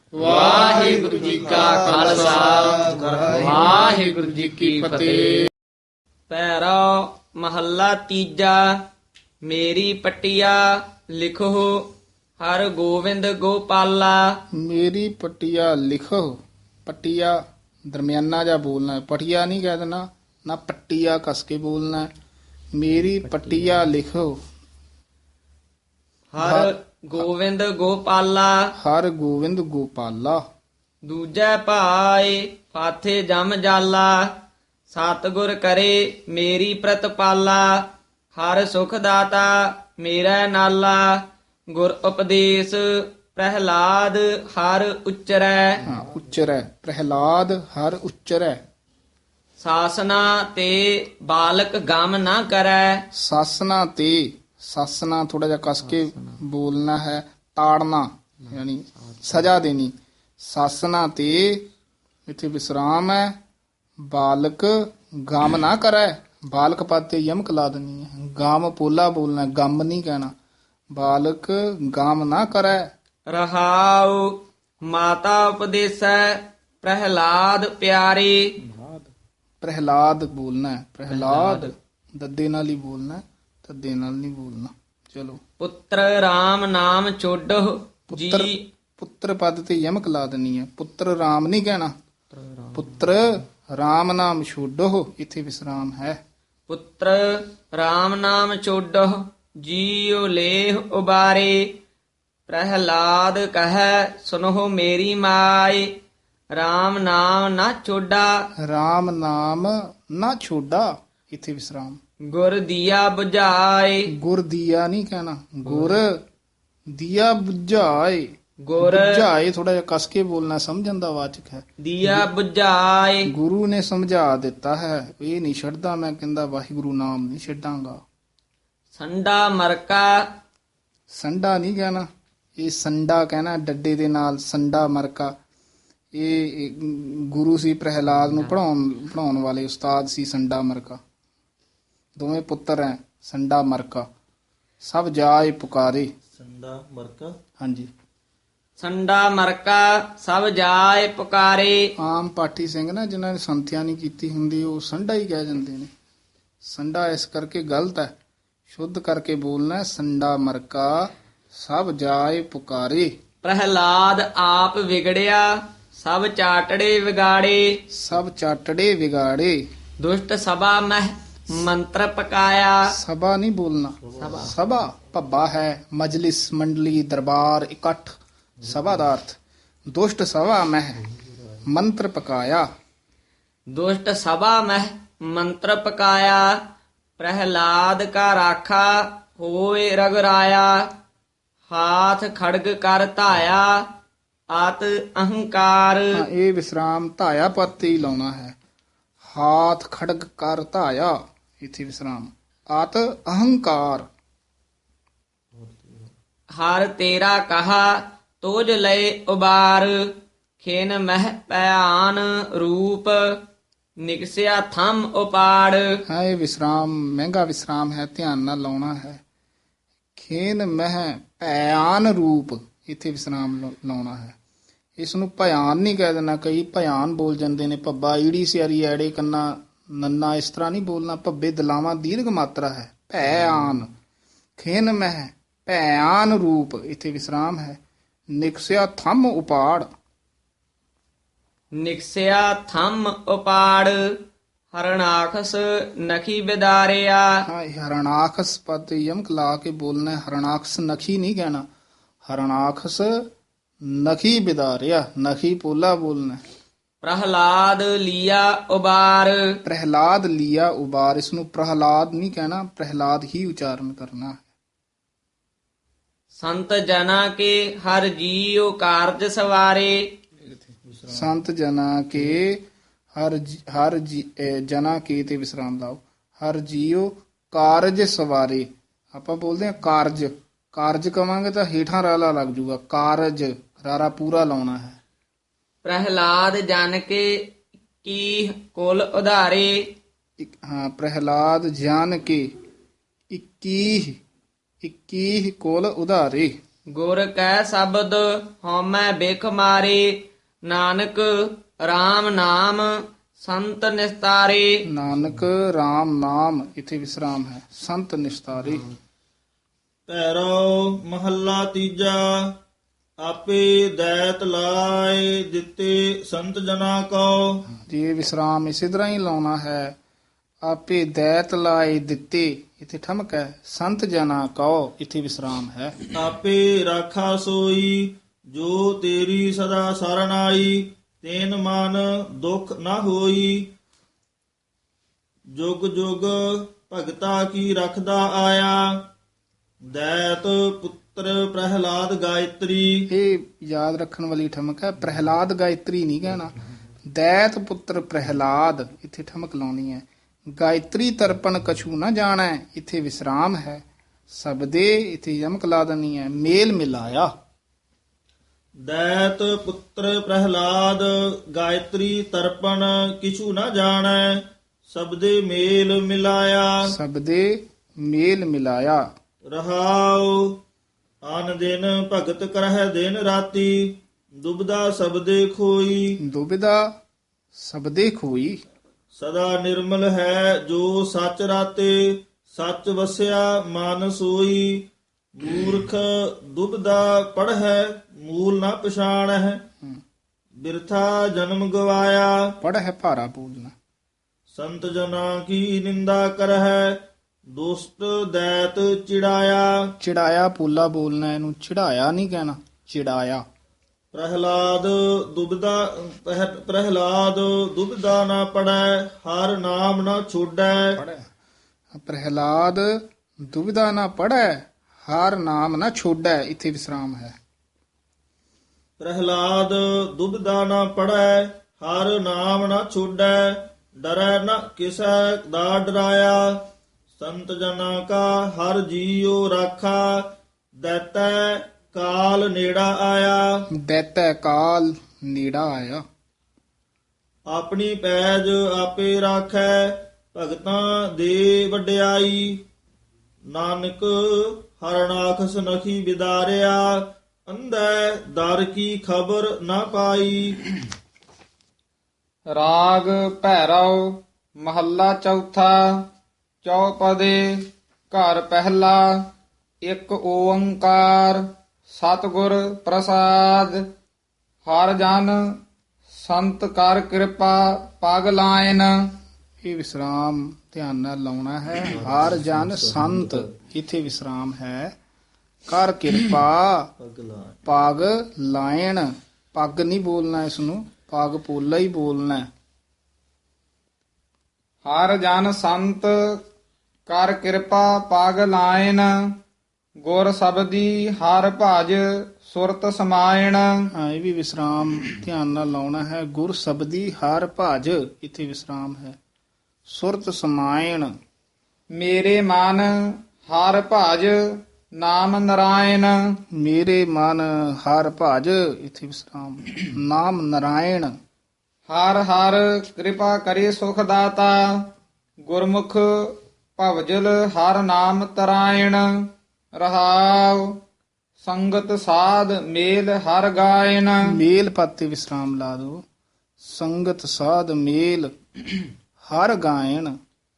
ਵਾਹਿਗੁਰੂ ਜੀ ਕਾ ਖਾਲਸਾ ਵਾਹਿਗੁਰੂ ਜੀ ਕੀ ਫਤਿਹ। ਪੈਰਾ ਮਹੱਲਾ ਤੀਜਾ। ਮੇਰੀ ਪਟਿਆ ਲਿਖੋ ਹਰ ਗੋਬਿੰਦ ਗੋਪਾਲਾ। ਮੇਰੀ ਪਟਿਆ ਲਿਖੋ। ਪਟਿਆ ਦਰਮਿਆਨਾ ਜਾ ਬੋਲਣਾ ਹੈ, ਪਟਿਆ ਨਹੀਂ ਕਹਿ ਦੇਣਾ, ਨਾ ਪਟਿਆ ਕਸ ਕੇ ਬੋਲਣਾ ਹੈ। ਮੇਰੀ ਪਟਿਆ ਲਿਖੋ ਹਰ ਗੋਬਿੰਦ ਗੋਪਾਲਾ। ਹਰ ਗੋਬਿੰਦ ਗੋਪਾਲਾ। ਦੂਜੈ ਭਾਏ ਫਾਥੇ ਜਮ ਜਾਲਾ। ਸਤਿਗੁਰ ਕਰੇ ਮੇਰੀ ਪ੍ਰਤਪਾਲਾ। ਹਰ ਸੁਖ ਦਾਤਾ ਮੇਰਾ ਨਾਲਾ। ਗੁਰ ਉਪਦੇਸ਼ ਪ੍ਰਹਿਲਾਦ ਹਰ ਉਚਰੈ। ਹਾਂ, ਉਚਰੈ ਪ੍ਰਹਿਲਾਦ ਹਰ ਉਚਰੈ। ਸਾਸਨਾ ਤੇ ਬਾਲਕ ਗਮ ਨਾ ਕਰੈ। ਸਾਸਨਾ ਤੇ, ਸਾਸਨਾ ਥੋੜਾ ਜਿਹਾ ਕਸ ਕੇ ਬੋਲਣਾ ਹੈ, ਤਾੜਨਾ ਯਾਨੀ ਸਜ਼ਾ ਦੇਣੀ। ਸਾਸਨਾ ਤੇ ਇੱਥੇ ਵਿਸਰਾਮ ਹੈ। ਬਾਲਕ ਗਮ ਨਾ ਕਰੈ, ਬਾਲਕ ਪਦ ਤੇ ਯਮਕ ਲਾ ਦੇਣੀ ਹੈ। ਗਮ ਪੋਲਾ ਬੋਲਣਾ, ਗਮ ਨਹੀਂ ਕਹਿਣਾ। ਬਾਲਕ ਗਮ ਨਾ ਕਰੈ। ਰਹਾਉ ਮਾਤਾ ਉਪਦੇਸੈ ਪ੍ਰਹਿਲਾਦ ਪਿਆਰੇ। ਪ੍ਰਹਿਲਾਦ ਬੋਲਣਾ ਹੈ, ਪ੍ਰਹਿਲਾਦ ਦੱਦੇ ਨਾਲ ਹੀ ਬੋਲਣਾ ਹੈ, ਤੱਦੇ ਨਾਲ ਨਹੀਂ ਬੋਲਣਾ। ਚਲੋ, ਪੁੱਤਰ RAM ਨਾਮ ਛੋਡੋ ਪੁੱਤਰ ਜੀ। ਪੁੱਤਰ ਪਦ ਤੇ ਯਮਕ ਲਾ ਦੇਣੀ ਹੈ। ਪੁੱਤਰ ਰਾਮ ਨਹੀਂ ਕਹਿਣਾ। ਪੁੱਤਰ ਰਾਮ ਨਾਮ ਛੋਡੋ, ਇੱਥੇ ਵਿਸਰਾਮ ਹੈ। ਪੁੱਤਰ RAM ਨਾਮ ਛੋਡੋ ਜੀਉ ਲੇਹ ਉਬਾਰੇ। ਪ੍ਰਹਿਲਾਦ ਕਹੈ ਸੁਨੋ ਮੇਰੀ ਮਾਏ। RAM ਨਾਮ ਨਾ ਛੋਡਾ ਰਾਮ ਨਾਮ ਨਾ ਛੋਡਾ, ਇੱਥੇ ਵਿਸਰਾਮ। ਗੁਰ ਦੀਆ 부ਝਾਏ। ਗੁਰ ਦੀਆ ਨਹੀਂ ਕਹਿਣਾ, ਗੁਰ ਦੀਆ ਬੁਝਾਏ। ਗੁਰ ਬੁਝਾਏ ਥੋੜਾ ਜਿਹਾ ਕਸ ਕੇ ਬੋਲਣਾ, ਸਮਝਣ ਦਾ ਵਾਚਕ ਹੈ। ਦੀਆ 부ਝਾਏ। ਗੁਰੂ ਨੇ ਸਮਝਾ ਦਿੱਤਾ ਹੈ, ਇਹ ਨਹੀਂ ਛੱਡਦਾ ਮੈਂ, ਕਹਿੰਦਾ ਵਾਹਿਗੁਰੂ ਨਾਮ ਨਹੀਂ ਛੱਡਾਂਗਾ। ਸੰਡਾ ਮਰਕਾ। ਸੰਡਾ ਨਹੀਂ ਕਹਿਣਾ, ਇਹ ਸੰਡਾ ਕਹਿਣਾ ਡੱਡੇ ਦੇ ਨਾਲ, ਸੰਡਾ ਮਰਕਾ। ਇਹ ਗੁਰੂ ਸੀ ਪ੍ਰਹਿਲਾਦ ਨੂੰ ਪੜਾਉਣ ਵਾਲੇ ਉਸਤਾਦ ਸੀ ਸੰਡਾ ਮਰਕਾ। ਦੋਵੇਂ ਪੁੱਤਰ ਹੈ, ਸੰਡਾ ਮਰਕਾ। ਸਭ ਜਾਏ ਪੁਕਾਰੇ। ਸੰਡਾ ਮਰਕਾ। ਹਾਂਜੀ, ਸੰਡਾ ਮਰਕਾ ਸਭ ਜਾਏ ਪੁਕਾਰੇ। ਆਮ ਪਾਠੀ ਸਿੰਘ ਨਾ ਜਿਨ੍ਹਾਂ ਨੇ ਸੰਥਿਆ ਨਹੀਂ ਕੀਤੀ ਹੁੰਦੀ, ਉਹ ਸੰਡਾ ਹੀ ਕਹਿ ਜਾਂਦੇ ਨੇ। ਸੰਡਾ ਇਸ ਕਰਕੇ ਗਲਤ ਹੈ, ਸ਼ੁੱਧ ਕਰਕੇ ਬੋਲਣਾ ਹੈ, ਸੰਡਾ ਮਰਕਾ ਸਭ ਜਾਏ ਪੁਕਾਰੇ। ਪ੍ਰਹਿਲਾਦ ਆਪ ਵਿਗੜਿਆ ਸਭ ਚਾਟੜੇ ਵਿਗਾੜੇ। ਸਭ ਚਾਟੜੇ ਵਿਗਾੜੇ। ਦੁਸ਼ਟ ਸਭਾ ਮਹਿ ਮੰਤਰ ਪਕਾਇਆ। ਸਭਾ ਨਹੀਂ ਬੋਲਣਾ, ਸਭਾ ਭੱਬਾ ਹੈ, ਮਜਲਿਸ ਮੰਡਲੀ ਦਰਬਾਰ ਇਕੱਠ, ਸਭਾ ਦਾ ਅਰਥ। ਦੁਸ਼ਟ ਸਭਾ ਮਹਿ ਮੰਤਰ ਪਕਾਇਆ। ਦੁਸ਼ਟ ਸਭਾ ਮਹਿ ਮੰਤਰ ਪਕਾਇਆ। ਪ੍ਰਹਿਲਾਦ ਕਾ ਰਾਖਾ ਹੋਏ ਰਗਰਾਇਆ। ਹਾਥ ਖੜਗ ਕਰ ਧਾਇਆ ਆਤ ਅਹੰਕਾਰ। ਹਾਂ, ਇਹ ਵਿਸਰਾਮ ਧਾਇਆ ਪਦ ਤੇ ਹੀ ਲਾਉਣਾ ਹੈ। ਹਾਥ ਖੜਗ ਕਰ ਧਾਇਆ, ਇੱਥੇ ਵਿਸਰਾਮ। ਆਤ ਅਹੰਕਾਰ। ਹਰ ਤੇਰਾ ਕਹਾ ਤੋਜ ਲਏ ਉਬਾਰ। ਖਿਨ ਮਹਿ ਭਿਆਨ ਰੂਪ ਨਿਕਸਿਆ ਥੰਮ ਉਪਾੜ। ਹਾਂ, ਇਹ ਵਿਸਰਾਮ ਮਹਿੰਗਾ ਵਿਸਰਾਮ ਹੈ, ਧਿਆਨ ਨਾਲ ਲਾਉਣਾ ਹੈ। ਖੇਨ ਮਹਿ ਭਿਆਨ ਰੂਪ, ਇੱਥੇ ਵਿਸਰਾਮ ਲਾਉਣਾ ਹੈ। ਇਸ ਨੂੰ ਭਿਆਨ ਨਹੀਂ ਕਹਿ ਦੇਣਾ, ਕਈ ਭਿਆਨ ਬੋਲ ਜਾਂਦੇ ਨੇ। ਭੱਬਾ ਈੜੀ ਸਿਆਰੀ ਐੜੇ ਕੰਨਾ ਨੰਨਾ, ਇਸ ਤਰ੍ਹਾਂ ਨਹੀਂ ਬੋਲਣਾ। ਭੱਬੇ ਦਲਾਵਾਂ ਦੀਰਘ ਮਾਤਰਾ ਹੈ। ਭਿਆਨ। ਖੇਨ ਮਹਿ ਭਿਆਨ ਰੂਪ, ਇੱਥੇ ਵਿਸਰਾਮ ਹੈ। ਨਿਕਸਿਆ ਥੰਮ ਉਪਾੜ। ਨਿਕਸਿਆ ਥੰਮ ਉਪਾੜ। ਹਰਣਾਖਸ ਨਖੀ ਬਿਦਾਰਿਆ। ਹਾਂ, ਇਹ ਹਰਣਾਖਸ ਪਦ ਤੇ ਯਮਕ ਲਾ ਕੇ ਬੋਲਣਾ ਹੈ। ਹਰਣਾਖਸ ਨਖੀ ਨਹੀਂ ਕਹਿਣਾ। ਹਰਣਾਖਸ ਨਖੀ ਬਿਦਾਰਿਆ, ਨਖੀ ਪੋਲਾ ਬੋਲਣਾ ਹੈ। ਪ੍ਰਹਲਾਦ ਲੀਆ ਉਬਾਰ। ਪ੍ਰਹਿਲਾਦ ਲੀਆ ਉਬਾਰ, ਇਸ ਨੂੰ ਪ੍ਰਹਲਾਦ ਨਹੀਂ ਕਹਿਣਾ, ਪ੍ਰਹਿਲਾਦ ਹੀ ਉਚਾਰਨ ਕਰਨਾ ਹੈ। ਸੰਤ ਜਨਾ ਕੇ ਹਰ ਜੀਉ ਕਾਰਜ ਸਵਾਰੇ। ਸੰਤ ਜਨਾ ਕੇ ਜਨਾ ਕੇ ਤੇ ਵਿਸਰਾਮ ਲਾਓ। ਹਰ ਜੀਉ ਕਾਰਜ ਸਵਾਰੇ। ਆਪਾਂ ਬੋਲਦੇ ਹਾਂ ਕਾਰਜ, ਕਾਰਜ ਕਵਾਂਗੇ ਤਾਂ ਹੇਠਾਂ ਰਾਲਾ ਲੱਗ ਜੂਗਾ। ਕਾਰਜ ਰਾਰਾ ਪੂਰਾ ਲਾਉਣਾ ਹੈ। ਪ੍ਰਹਿਲਾਦ ਜਨ ਕੇ ਕੀ ਕੁਲ ਉਧਾਰੇ। ਹਾਂ, ਪ੍ਰਹਿਲਾਦ ਜਾਨ ਕੇ 21 ਕੋਲ ਉਧਾਰੇ। ਗੁਰ ਕੈ ਸ਼ਬਦ ਹਉਮੈ ਬਿਖ ਮਾਰੇ ਨਾਨਕ RAM ਨਾਮ ਸੰਤ ਨਿਸਤਾਰੇ। ਨਾਨਕ RAM ਨਾਮ ਇਥੇ ਵਿਸਰਾਮ ਹੈ, ਸੰਤ ਨਿਸਤਾਰੇ। ਭੈਰੋ ਮਹੱਲਾ ਤੀਜਾ। ਆਪੇ ਦੈਤ ਲਾਏ ਦਿੱਤੇ ਸੰਤ ਜਨਾ ਕੋ। ਜੀ ਇਹ ਵਿਸਰਾਮ ਇਸੇ ਤਰ੍ਹਾਂ ਹੀ ਲਾਉਣਾ ਹੈ। ਆਪੇ ਦੈਤ ਲਾਏ ਦਿੱਤੇ ਇਥੇ ਠਮਕ ਹੈ, ਸੰਤ ਜਨਾ ਕਉ ਇਥੇ ਵਿਸਰਾਮ ਹੈ। ਆਪੇ ਰਾਖਾ ਸੋਈ ਜੋ ਤੇਰੀ ਸਦਾ ਸਰਣ ਆਈ। ਤੈਨ ਮਨ ਦੁਖ ਨਾ ਹੋਈ ਜੁਗ ਜੁਗ ਭਗਤਾ ਕੀ ਰਖਦਾ ਆਇਆ। ਦੈਤ ਪੁੱਤਰ ਪ੍ਰਹਿਲਾਦ ਗਾਇਤਰੀ। ਇਹ ਯਾਦ ਰੱਖਣ ਵਾਲੀ ਠਮਕ ਹੈ, ਪ੍ਰਹਿਲਾਦ ਗਾਇਤਰੀ ਨਹੀਂ ਕਹਿਣਾ। ਦੈਤ ਪੁੱਤਰ ਪ੍ਰਹਿਲਾਦ ਇਥੇ ਠਮਕ ਲਾਉਣੀ ਹੈ। ਗਾਇਤਰੀ ਤਰਪਣ ਕਛੂ ਨਾ ਜਾਣੈ ਇਥੇ ਵਿਸਰਾਮ ਹੈ। ਸਬਦੇ ਇਥੇ ਯਮਕ ਲਾ ਦੇਣੀ ਹੈ। ਮੇਲ ਮਿਲਾਇਆ। ਦੈਤ ਪੁੱਤਰ ਪ੍ਰਹਿਲਾਦ ਗਾਇਤਰੀ ਤਰਪਣ ਕਿਛੂ ਨਾ ਜਾਣੈ। ਸਬਦੇ ਮੇਲ ਮਿਲਾਇਆ। ਸਬਦੇ ਮੇਲ ਮਿਲਾਇਆ। ਰਹਾਉ ਆਨ ਦਿਨ ਭਗਤ ਕਰਹਿ ਦਿਨ ਰਾਤੀ। ਦੁਬਦਾ ਸਬਦੇ ਖੋਈ ਦੁਬਿਧਾ ਸਬਦੇ ਖੋਈ। ਸਦਾ ਨਿਰਮਲ ਹੈ ਜੋ ਸੱਚ ਰਾਤੇ। ਸੱਚ ਵਸਿਆ ਮਨ ਸੋਈ। ਮੂਰਖ ਦੁਬਦਾ ਪੜ੍ਹੈ ਮੂਲ ਨਾ ਪਛਾਣੈ। ਬਿਰਥਾ ਜਨਮ ਗਵਾਇਆ। ਪੜ ਹੈ ਭਾਰਾ ਬੋਲਣਾ। ਸੰਤ ਜਨਾਂ ਕੀ ਨਿੰਦਾ ਕਰਹਿ। ਦੁਸ਼ਟ ਦੈਤ ਚਿੜਾਇਆ। ਚਿੜਾਇਆ ਪੂਲਾ ਬੋਲਣਾ, ਇਹਨੂੰ ਚਿੜਾਇਆ ਨਹੀਂ ਕਹਿਣਾ, ਚਿੜਾਇਆ। ਪ੍ਰਹਿਲਾਦ ਦੁਬਦਾ ਨਾ ਪੜੈ। ਹਰ ਨਾਮ ਨਾ ਛੋੜੈ। ਪ੍ਰਹਿਲਾਦ ਦੁਬਿਧਾ ਨਾ ਪੜੈ ਹਰ ਨਾਮ ਨਾ ਛੋੜੈ ਇਥੇ ਵਿਸਰਾਮ ਹੈ। ਪ੍ਰਹਿਲਾਦ ਦੁਬਦਾ ਨਾ ਪੜੈ ਹਰ ਨਾਮ ਨਾ ਛੋੜੈ। ਡਰੈ ਨ ਕਿਸੈ ਦਾ ਡਰਾਇਆ। ਸੰਤ ਜਨਾਂ ਕਾ ਹਰ ਜੀਉ ਰਾਖਾ। ਦੈਤੈ ਕਾਲ ਨੇੜਾ ਆਇਆ। ਦੈਤੈ ਕਾਲ ਨੇੜਾ ਆਇਆ। ਆਪਣੀ ਪੈਜ ਆਪੇ ਰਾਖੈ। ਭਗਤਾਂ ਦੇ ਵਡਿਆਈ। ਨਾਨਕ ਹਰਨਾਖਸ ਨਖੀ ਬਿਦਾਰਿਆ। ਅੰਧੈ ਦਰ ਕੀ ਖਬਰ ਨਾ ਪਾਈ। ਰਾਗ ਭੈਰਵ ਮਹੱਲਾ ਚੌਥਾ। ਚੌਪਦੇ ਘਰ ਪਹਿਲਾ। ਇੱਕ ਓੰਕਾਰ ਸਤਿਗੁਰ ਪ੍ਰਸਾਦ। ਹਰ ਜਨ ਸੰਤ ਕਰ ਕਿਰਪਾ ਪਗ ਲਾਇਨ। ਇਹ ਵਿਸਰਾਮ ਧਿਆਨ ਨਾਲ ਲਾਉਣਾ ਹੈ। ਹਰ ਜਨ ਸੰਤ ਇਥੇ ਵਿਸਰਾਮ ਹੈ। ਕਰ ਕਿਰਪਾ ਪਗ ਲਾਇਣ। ਪੱਗ ਨਹੀਂ ਬੋਲਣਾ, ਇਸ ਨੂੰ ਪਗ ਪੋਲਾ ਹੀ ਬੋਲਣਾ। ਹਰ ਜਨ ਸੰਤ ਕਰ ਕਿਰਪਾ ਪਗ ਲਾਇਨ। ਗੁਰ ਸਬਦੀ ਹਰ ਭਜ ਸੁਰਤ ਸਮਾਇਣ। ਹਾਂ, ਇਹ ਵੀ ਵਿਸਰਾਮ ਧਿਆਨ ਨਾਲ ਲਾਉਣਾ ਹੈ। ਗੁਰ ਸਬਦੀ ਹਰ ਭਜ ਇਥੇ ਵਿਸਰਾਮ ਹੈ। ਸੁਰਤ ਸਮਾਇਣ। ਮੇਰੇ ਮਨ ਹਰ ਭਜ ਨਾਮ ਨਰਾਇਣ। ਮੇਰੇ ਮਨ ਹਰ ਭਜ ਇਥੇ ਵਿਸਰਾਮ। ਨਾਮ ਨਰਾਇਣ। ਹਰ ਹਰ ਕਿਰਪਾ ਕਰੇ ਸੁਖ ਦਾਤਾ। ਗੁਰਮੁਖ ਭਵਜਲ ਹਰ ਨਾਮ ਤਰਾਇਣ। ਰਹਾਉ ਸੰਗਤ ਸਾਧ ਮੇਲ ਹਰ ਗਾਇਨ। ਮੇਲ ਪਾਤੇ ਵਿਸਰਾਮ ਲਾ ਦੋ। ਸੰਗਤ ਸਾਧ ਮੇਲ ਹਰ ਗਾਇਣ।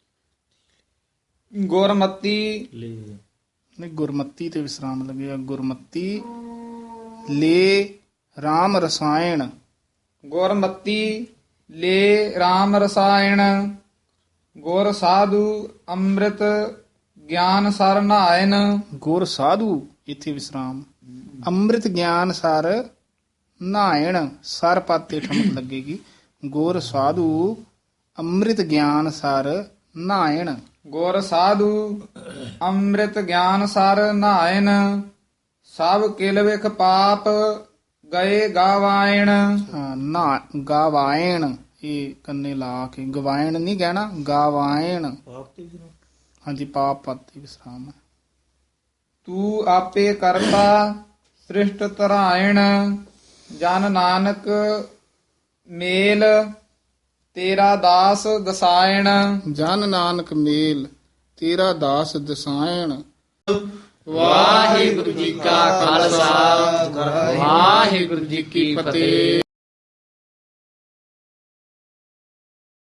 ਗੁਰਮਤੀ ਨਹੀਂ, ਗੁਰਮਤੀ ਤੇ ਵਿਸਰਾਮ ਲੱਗਿਆ। ਗੁਰਮਤੀ ਲੈ RAM ਰਸਾਇਣ। ਗੁਰਮਤੀ ਲੈ RAM ਰਸਾਇਣ। ਗੁਰ ਸਾਧੂ ਅੰਮ੍ਰਿਤ ਗਿਆਨ ਸਰ ਨਾਇਨ। ਗੁਰ ਸਾਧੂ ਇਥੇ ਵਿਸਰਾਮ। ਅੰਮ੍ਰਿਤ ਗਿਆਨ ਸਰ ਨਾਇਣ। ਸਰ ਪਾਤੇ ਠਮਕ ਲੱਗੇਗੀ। ਗੁਰ ਸਾਧੂ ਅੰਮ੍ਰਿਤ ਗਿਆਨ ਸਰ ਨਾਇਣ। ਗੁਰ ਸਾਧੂ ਅੰਮ੍ਰਿਤ ਗਿਆਨ ਸਰ ਨਾਇਨ। ਸਭ ਕਿਲ ਵਿਖ ਪਾਪ ਗਏ ਗਾਵਾਇਣ। ਹਾਂ, ਨਾ ਗਾਵਾਇਣ ਇਹ ਕੰਨੇ ਲਾ ਕੇ ਗਵਾਇਣ ਨਹੀਂ ਕਹਿਣਾ, ਗਾਵਾਇਣ। ਹਾਂਜੀ, ਪਾਪ ਪਾਤੇ ਵਿਸਰਾਮ ਹੈ। ਤੂੰ ਆਪੇ ਕਰਤਾ ਸ੍ਰਿਸ਼ਟ ਧਰਾਇਣ। ਜਨ ਨਾਨਕ ਮੇਲ ਤੇਰਾ ਦਾਸ ਦਸਾਇਣ। ਜਨ ਨਾਨਕ ਮੇਲ ਤੇਰਾ ਦਾਸ ਦਸਾਇਣ। ਵਾਹਿਗੁਰੂ ਜੀ ਕਾ ਖਾਲਸਾ ਵਾਹਿਗੁਰੂ ਜੀ ਕੀ ਫਤਿਹ।